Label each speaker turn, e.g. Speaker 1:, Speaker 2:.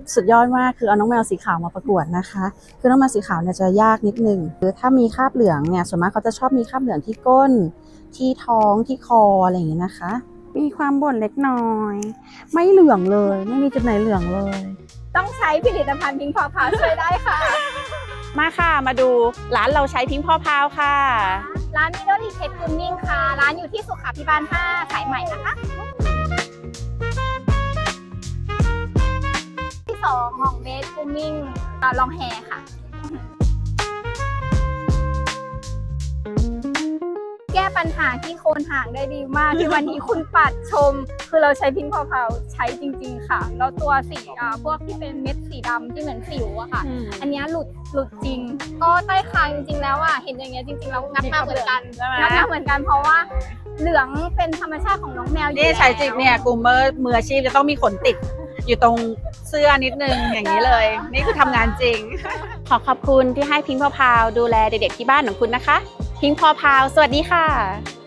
Speaker 1: สุดยอดมากคือเอาน้องแมวสีขาวมาประกวดนะคะคือน้องแมวสีขาวเนี่ยจะยากนิดนึงคือถ้ามีคราบเหลืองเนี่ยส่วนมากเขาจะชอบมีคราบเหลืองที่ก้นที่ท้องที่คออะไรอย่างเงี้ยนะคะมีความบ่นเล็กน้อยไม่เหลืองเลยไม่มีจุดไหนเหลืองเลย
Speaker 2: ต้องใช้ผลิตภัณฑ์พิงค์พอพาวช่วยได้ค่ะ
Speaker 3: มาค่ะมาดูร้านเราใช้พิงค์พอพาวค่ะ
Speaker 2: ร้านมิโดริเพชรกูมิ่งค่ะร้านอยู่ที่สุขาภิบาล 5 สายใหม่นะคะที่2ของเบสกูมิ่งลองแฮค่ะแก้ปัญหาที่โคนหางได้ดีมากที่วันนี้คุณปัดชมคือเราใช้พิงค์พอพาวใช้จริงๆค่ะแล้วตัวสีพวกที่เป็นเม็ดสีดำที่เหมือนสิวอะค่ะอันนี้หลุดจริงก็ใต้คางจริงๆแล้วอะเห็นอย่างเงี้ยจริงๆแล้วงัดมาเหมือนกันเพราะว่าเหลืองเป็นธรรมชาติของน้องแมว
Speaker 3: นี่ใช้จริงเนี่ยกลุ่มมืออาชีพจะต้องมีขนติดอยู่ตรงเสื้อนิดนึงอย่างนี้เลยนี่คือทำงานจริงขอขอบคุณที่ให้พิงค์พอพาวดูแลเด็กๆที่บ้านของคุณนะคะพิงค์พอพาวสวัสดีค่ะ